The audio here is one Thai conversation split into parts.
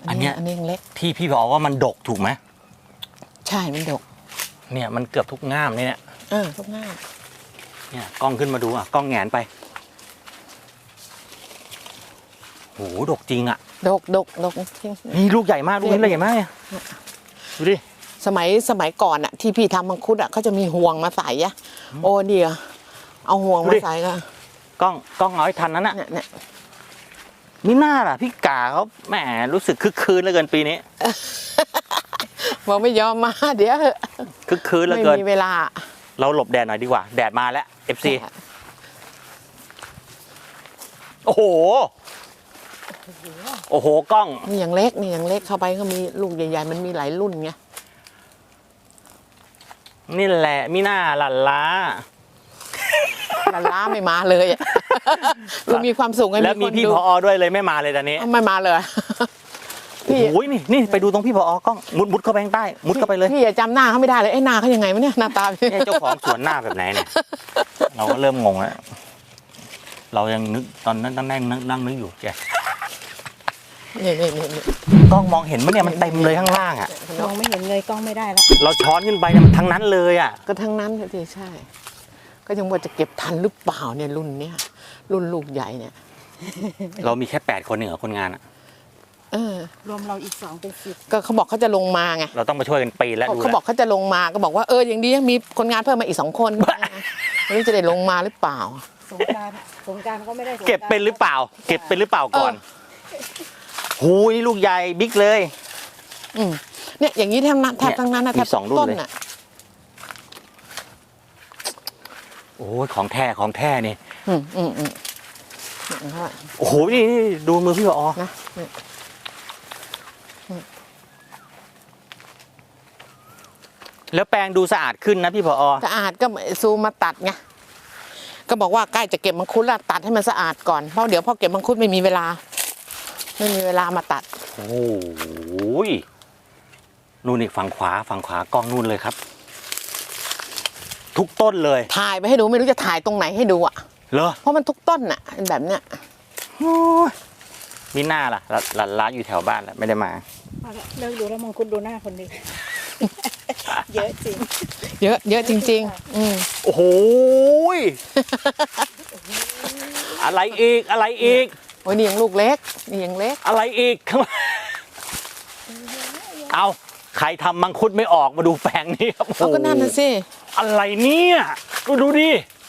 อันนี้ยังเล็กที่พี่บอกว่ามันดกถูกไหมใช่มันดกเนี่ยมันเกือบทุกง่ามเนี่ยทุกง่ามเนี่ยกล้องขึ้นมาดูอ่ะกล้องแงนไปโหดกจริงอ่ะดกนี่ลูกใหญ่มากลูกนี้เลยใหญ่มากดูดิสมัยก่อนอ่ะที่พี่ทำมังคุดอ่ะเขาจะมีห่วงมาใส่อะโอ้เดียวเอาห่วงมาใส่ก็กล้องเอาให้ทันนั้นอ่ะเนี่ยมิน่าล่ะพี่กาเขาแหมรู้สึกคึกคืนเหลือเกินปีนี้บอกไม่ยอมมาเดี๋ยวคึกคืนเหลือเกินไม่มีเวลาเราหลบแดดหน่อยดีกว่าแดดมาแล้ว FC โอ้โหกล้องนี่อย่างเล็กเข้าไปก็มีลูกใหญ่ๆมันมีหลายรุ่นไงนี่แหละมิน่าหลั่นล้าไม่มาเลยเรามีความสุขไงแล้วมีพี่ผอด้วยเลยไม่มาเลยตอนนี้ไม่มาเลยพี่โอ้ยนี่ไปดูตรงพี่ผอกล้องมุดเข้าไปข้างใต้มุดเข้าไปเลยพี่จำหน้าเขาไม่ได้เลยไอ้หน้าเขายังไงวะเนี่ยหน้าตาเจ้าของสวนหน้าแบบไหนเนี่ยเราก็เริ่มงงแล้วเรายังนึกตอนนั้นนั่งนึกอยู่แกนี่กล้องมองเห็นมั้ยเนี่ยมันเต็มเลยข้างล่างอ่ะมองไม่เห็นเลยกล้องไม่ได้แล้วเราช้อนขึ้นไปเนี่ยมันทั้งนั้นเลยอ่ะก็ทั้งนั้นที่ใช่ก็ยังว่าจะเก็บทันหรือเปล่าเนี่ยรุ่นเนี้ยรุ่นลูกใหญ่เนี่ยเรามีแค่8 คนเหรอคนงานอ่ะรวมเราอีก2เป็น10 ก็เขาบอกเขาจะลงมาไงเราต้องมาช่วยกันปีแล้วเขาบอกเขาจะลงมาก็บอกว่าอย่างดีมีคนงานเพิ่มมาอีก2 คนไม่รู้จะได้ลงมาหรือเปล่าสงกรานต์ก็ไม่ได้เก็บเป็นหรือเปล่าก่อนหูยลูกใหญ่บิ๊กเลยเนี่ยอย่างนี้แทบทั้งนั้นนะแทบต้นน่ะโอ้ยของแท้นี่โอ้โหนี่ดูมือพี่ผอนะแล้วแปลงดูสะอาดขึ้นนะพี่ผอสะอาดก็ซูมมาตัดไงก็บอกว่าใกล้จะเก็บมังคุดแล้วตัดให้มันสะอาดก่อนเพราะเดี๋ยวพอเก็บมังคุดไม่มีเวลามาตัดโอ้ยนู่นอีกฝั่งขวากล้องนู่นเลยครับทุกต้นเลยถ่ายไปให้ดูไม่รู้จะถ่ายตรงไหนให้ดูอ่ะเหรอเพราะมันทุกต้นน่ะแบบเนี้ยมีหน้าล่ะร้านอยู่แถวบ้านแหละไม่ได้มาเลิกดูแล้วมังคุดดูหน้าคนดีเยอะจริงเยอะจริงๆโอ้โหอะไรอีกโอ้ยนี่ยังลูกเล็กอะไรอีกเอาใครทำมังคุดไม่ออกมาดูแปลงนี้ครับก็นั่นน่ะสิอะไรเนี่ยดูดิ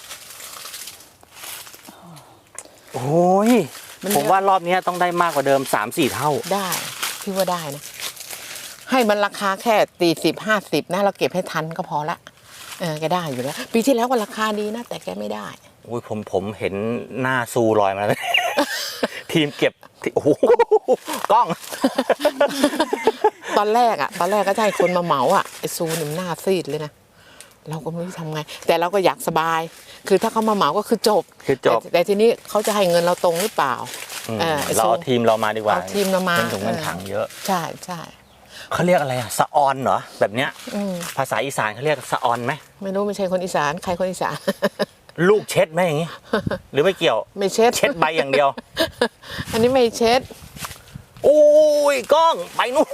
โอ้ยผมว่ารอบนี้ต้องได้มากกว่าเดิม 3-4 เท่าได้พี่ว่าได้นะให้มันราคาแค่40-50นะเราเก็บให้ทันก็พอละแกได้อยู่แล้วปีที่แล้วก็ราคาดีนะแต่แกไม่ได้โอ้ยผมเห็นหน้าซูลอยมาแล้วทีมเก็บโอ้โหกล้องตอนแรกก็ใช่คนมาเหมาไอ้ซูนี่มันหน้าซีดเลยนะเราก็ไม่รู้ทำไงแต่เราก็อยากสบายคือถ้าเขามาเหมาก็คือจบแต่ทีนี้เขาจะให้เงินเราตรงหรือเปล่าเราเอาทีมเรามาดีกว่าทีมเรามาถุงเงินถังเยอะใช่เขาเรียกอะไรสะออนเหรอแบบเนี้ยภาษาอีสานเขาเรียกสะออนไหมไม่รู้ไม่ใช่คนอีสานใครคนอีสานลูกเช็ดไหมอย่างงี้หรือไม่เกี่ยวไม่เช็ดใบอย่างเดียวอันนี้ไม่เช็ดโอ้ยกล้องไปนู่น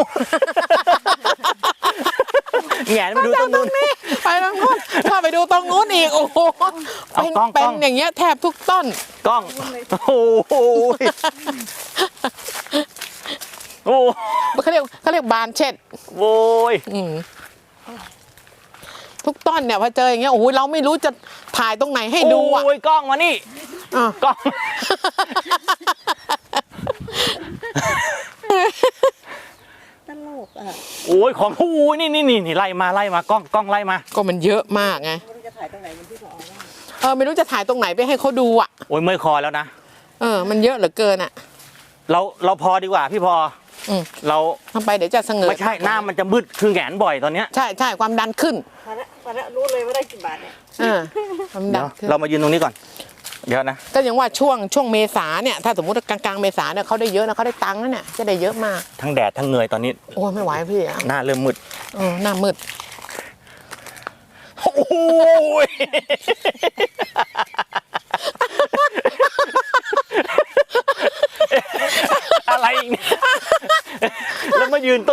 แงนไปดูตรงนู้นไปตรงนู้นถ้าไปดูตรงนู้นอีกโอ้โหเป็นอย่างเงี้ยแทบทุกต้นกล้องโอ้เขาเรียกบานเช็ดโว้ยทุกต้นเนี่ยพอเจออย่างเงี้ยโอ้ยเราไม่รู้จะถ่ายตรงไหนให้ดูโอ้ยกล้องมานี่กล้องตลกโอ้ยของโอ้ยนี่ไล่มากล้องไล่มาก็มันเยอะมากไงไม่รู้จะถ่ายตรงไหนเป็นที่ผอไม่รู้จะถ่ายตรงไหนไปให้เขาดูโอ้ยเมื่อยคอแล้วนะมันเยอะเหลือเกินเราพอดีกว่าพี่พอเราทำไปเดี๋ยวจะเสงไม่ใช่หน้ามันจะมืดคือแงนบ่อยตอนเนี้ยใช่ความดันขึ้นพอแล้วรู้เลยว่าได้กี่บาทเนี่ยความดันขึ้นเรามายืนตรงนี้ก่อนเดี๋ยวนะก็ยังว่าช่วงเมษาเนี่ยถ้าสมมติกลางเมษาเนี่ยเขาได้เยอะนะเขาได้ตังค์นะเนี่ยจะได้เยอะมากทั้งแดดทั้งเหนื่อยตอนนี้โอ้ไม่ไหวพี่หน้าเริ่มมืดหน้ามืดโอ้ยอะไรยืนต้น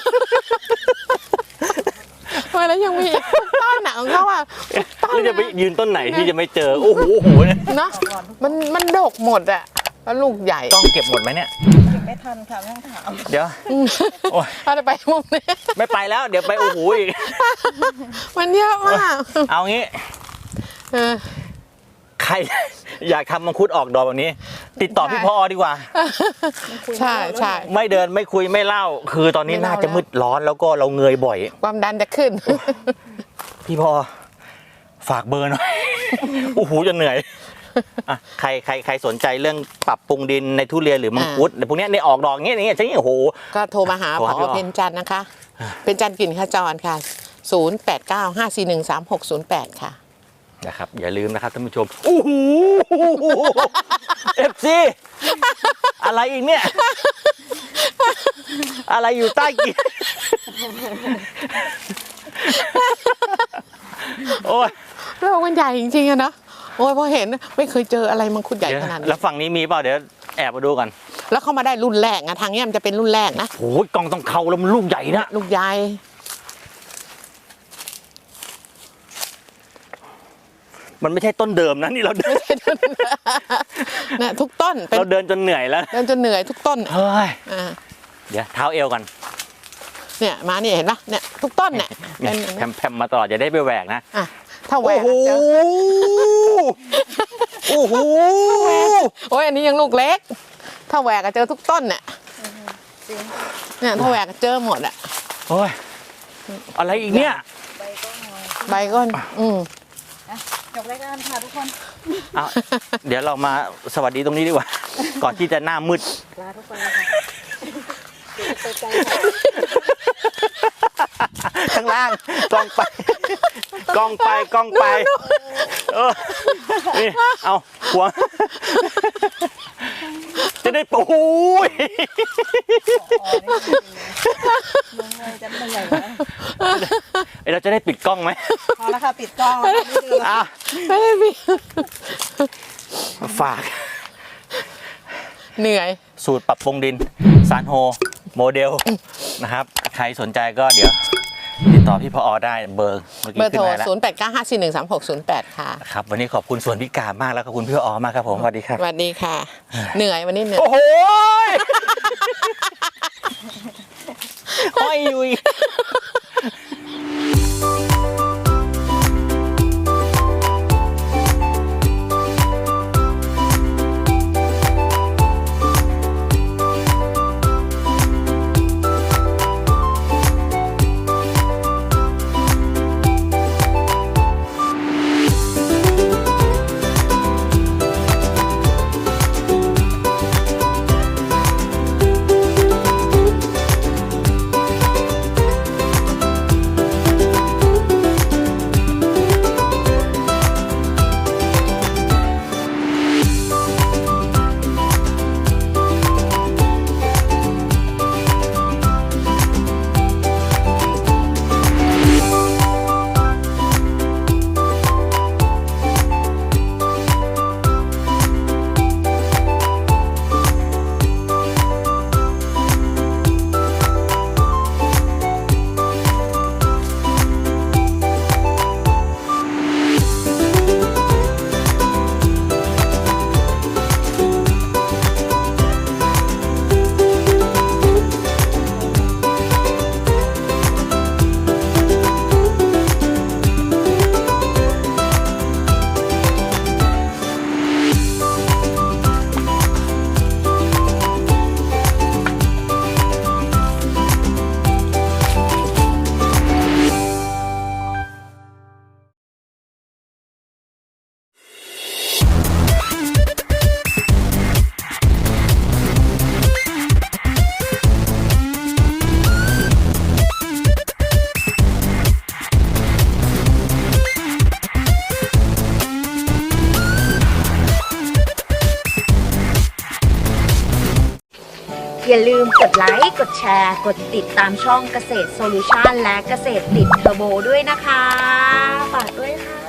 ทำไมแล้วยังมีอีกต้นหนักของเขาอ่ะต้นแล้วจะไปยืนต้นไหนที่จะไม่เจอโอ้โหเนี่ยเนาะมันดกหมดอ่ะแล้วลูกใหญ่ต้องเก็บหมดไหมเนี่ยเก็บไม่ทันค่ะไม่ต้องถามเดี๋ยวโอ้ยถ้าจะไปมุมนี้ไม่ไปแล้ว เดี๋ยวไปโอ้โหอีกมันเยอะมากเอางี้เออใครอยากทำมังคุดออกดอกแบบนี้ ติดต่อพี่พอดีกว่าใช่ใช่ไม่เดินไม่คุยไม่เล่า คือตอนนี้ไม่เล่าน่าจะมืดร้อนแล้วก็เราเงยบ่อยความดันจะขึ้นพี่พอฝากเบอร์หน่อย โอ้โหจะเหนื่อยอ่ะใครสนใจเรื่องปรับปรุงดินในทุเรียนหรือมังคุดในพวกเนี้ยในออกดอกอย่างเงี้ยใช่โอ้โหก็โทรมาหาโทรผหาพี่ออ๋อเพ็ญจันทร์นะคะ เพ็ญจันทร์กลิ่นขจรค่ะ 0895413608 ค่ะนะครับอย่าลืมนะครับท่านผู้ชมโอ้โหเอฟซีอะไรอีกเนี่ย อะไรอยู่ใต้กีโอ้ยโลกมันใหญ่จริงๆอะเนาะโอ้ยพอเห็นไม่เคยเจออะไรมังคุดใหญ่ขนาดนี้แล้วฝั่งนี้มีเปล่าเดี๋ยวแอบมาดูกันแล้วเข้ามาได้รุ่นแรกนะทางเนี้ยมันจะเป็นรุ่นแรกนะโอ้ยกล่องต้องเขาแล้วมันลูกใหญ่นะลูกใหญ่มันไม่ใช่ต้นเดิมนะนี่เราเดินเนี่ยทุกต้นเป็นเราเดินจนเหนื่อยแล้วเดินจนเหนื่อยทุกต้นเฮ้ยอ่าเดี๋ยวเท้าเอวกันเนี่ยมาเนี่ยเห็นปะเนี่ยทุกต้นเนี่ยเนี่ยเป็นแผ่มๆมาตลอดอย่าได้ไปแหวกนะอ่ะถ้าแหวโอ้กโหอะเจอโอ้โหโอ้ยอันนี้ยังลูกเล็ก ถ้าแหวกอะเจอทุกต้นเนี่ยจริงเนี่ยถ้าแหวกอะเจอหมดอะโอ้ยอะไรอีกเนี่ยใบก็งอยใบก้อนจบรายการค่ะทุกคนเอาเดี๋ยวเรามาสวัสดีตรงนี้ดีกว่า ก่อนที่จะหน้ามืดลาทุกคนเลยค่ะเดี๋ยวจะไปไกลค่ะข้างล่างกล้องไปกล้องไปกล้องไปเออนี่เอาหัวจะได้ปูยมึงเลยจะเหนื่อยแล้วเราจะได้ปิดกล้องไหมพอแล้วค่ะปิดกล้องแล้วค่ะไม่ดูแล้วอ่ะไม่ได้มีฝากเหนื่อยสูตรปรับปรุงดินซานโฮโมเดลนะครับ ใครสนใจก็เดี๋ยว ติดต่อพี่พอได้เบอร์เมื่อกี้เบอร์ขึ้โทนรมาแล้ว 0895413608 ค่ะครับ วันนี้ขอบคุณส่วนพิการมากแล้วขอบคุณพี่พอมากครับผมสวัสดีครับสวัสดีค่ะ เหนื่อยวันนี้เหนื่อยโอ้โหห้อยอยู่อีกอย่าลืมกดไลค์ กดแชร์ กดติดตามช่องเกษตรโซลูชันและเกษตรติดเทอร์โบด้วยนะคะ ฝากด้วยค่ะ